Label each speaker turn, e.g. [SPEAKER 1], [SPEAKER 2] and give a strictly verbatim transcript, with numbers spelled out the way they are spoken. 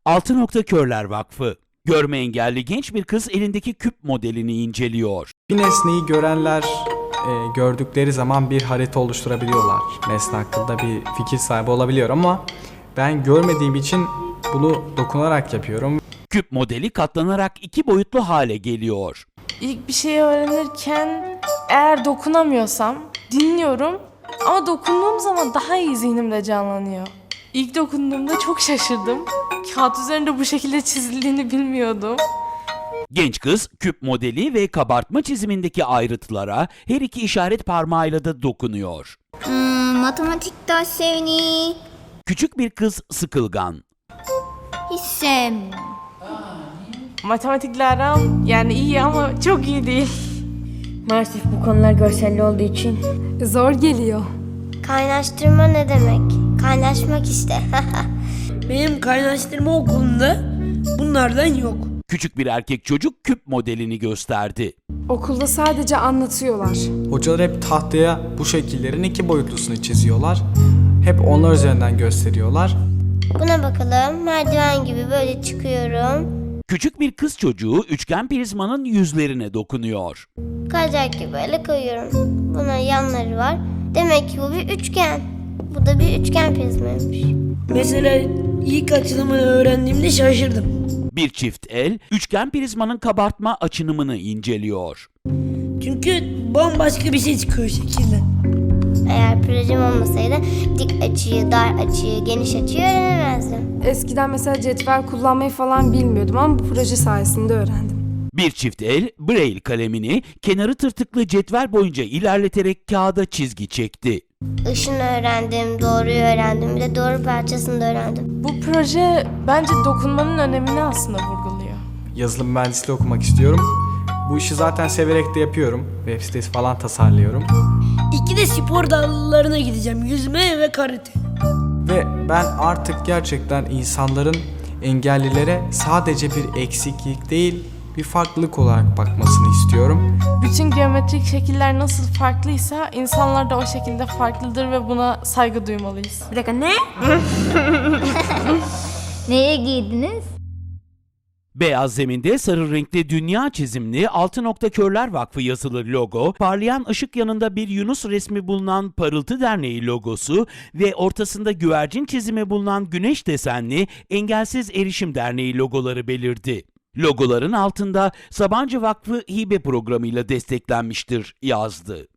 [SPEAKER 1] Altı Nokta Körler Vakfı. Görme engelli genç bir kız elindeki küp modelini inceliyor.
[SPEAKER 2] Bir nesneyi görenler e, gördükleri zaman bir harita oluşturabiliyorlar. Nesne hakkında bir fikir sahibi olabiliyor ama ben görmediğim için bunu dokunarak yapıyorum.
[SPEAKER 1] Küp modeli katlanarak iki boyutlu hale geliyor.
[SPEAKER 3] İlk bir şey öğrenirken eğer dokunamıyorsam dinliyorum ama dokunduğum zaman daha iyi zihnimde canlanıyor. İlk dokunduğumda çok şaşırdım. Kağıt üzerinde bu şekilde çizildiğini bilmiyordum.
[SPEAKER 1] Genç kız küp modeli ve kabartma çizimindeki ayrıntılara her iki işaret parmağıyla da dokunuyor.
[SPEAKER 4] Hmm, matematik derslerini
[SPEAKER 1] Küçük bir kız sıkılgan.
[SPEAKER 4] hiç sevmiyorum.
[SPEAKER 3] Matematikle aram yani iyi ama çok iyi değil.
[SPEAKER 5] Maalesef bu konular görselli olduğu için
[SPEAKER 6] Zor geliyor.
[SPEAKER 4] Kaynaştırma ne demek? Kaynaşmak işte.
[SPEAKER 7] Benim kaynaştırma okulunda bunlardan yok.
[SPEAKER 1] Küçük bir erkek çocuk küp modelini gösterdi.
[SPEAKER 6] Okulda sadece anlatıyorlar.
[SPEAKER 2] Hocalar hep tahtaya bu şekillerin iki boyutlusunu çiziyorlar. Hep onlar üzerinden gösteriyorlar.
[SPEAKER 4] Buna bakalım. Merdiven gibi böyle çıkıyorum.
[SPEAKER 1] Küçük bir kız çocuğu üçgen prizmanın yüzlerine dokunuyor.
[SPEAKER 4] Kayacak gibi böyle koyuyorum. Buna yanları var. Demek ki bu bir üçgen. Bu da bir üçgen prizmaymış.
[SPEAKER 7] Mesela ilk açılımını öğrendiğimde şaşırdım.
[SPEAKER 1] Bir çift el üçgen prizmanın kabartma açınımını inceliyor.
[SPEAKER 7] Çünkü bambaşka bir şey çıkıyor şekilden.
[SPEAKER 4] Eğer projem olmasaydı dik açıyı, dar açıyı, geniş açıyı öğrenemezdim.
[SPEAKER 6] Eskiden mesela cetvel kullanmayı falan bilmiyordum ama bu proje sayesinde öğrendim.
[SPEAKER 1] Bir çift el Braille kalemini kenarı tırtıklı cetvel boyunca ilerleterek kağıda çizgi çekti.
[SPEAKER 4] Işını öğrendim, doğruyu öğrendim, bir de doğru parçasını da öğrendim.
[SPEAKER 3] Bu proje bence dokunmanın önemini aslında vurguluyor.
[SPEAKER 2] Yazılım mühendisliği okumak istiyorum. Bu işi zaten severek de yapıyorum. Web sitesi falan tasarlıyorum.
[SPEAKER 7] İki de spor dallarına gideceğim. Yüzme ve karate.
[SPEAKER 2] Ve ben artık gerçekten insanların engellilere sadece bir eksiklik değil, bir farklılık olarak bakmasını istiyorum.
[SPEAKER 3] Bütün geometrik şekiller nasıl farklıysa insanlar da o şekilde farklıdır ve buna saygı duymalıyız.
[SPEAKER 5] bir dakika ne?
[SPEAKER 4] Neye giydiniz?
[SPEAKER 1] Beyaz zeminde sarı renkli dünya çizimli Altı Nokta Körler Vakfı yazılı logo, parlayan ışık yanında bir Yunus resmi bulunan Parıltı Derneği logosu ve ortasında güvercin çizimi bulunan güneş desenli Engelsiz Erişim Derneği logoları belirdi. Logoların altında Sabancı Vakfı hibe programıyla desteklenmiştir yazdı.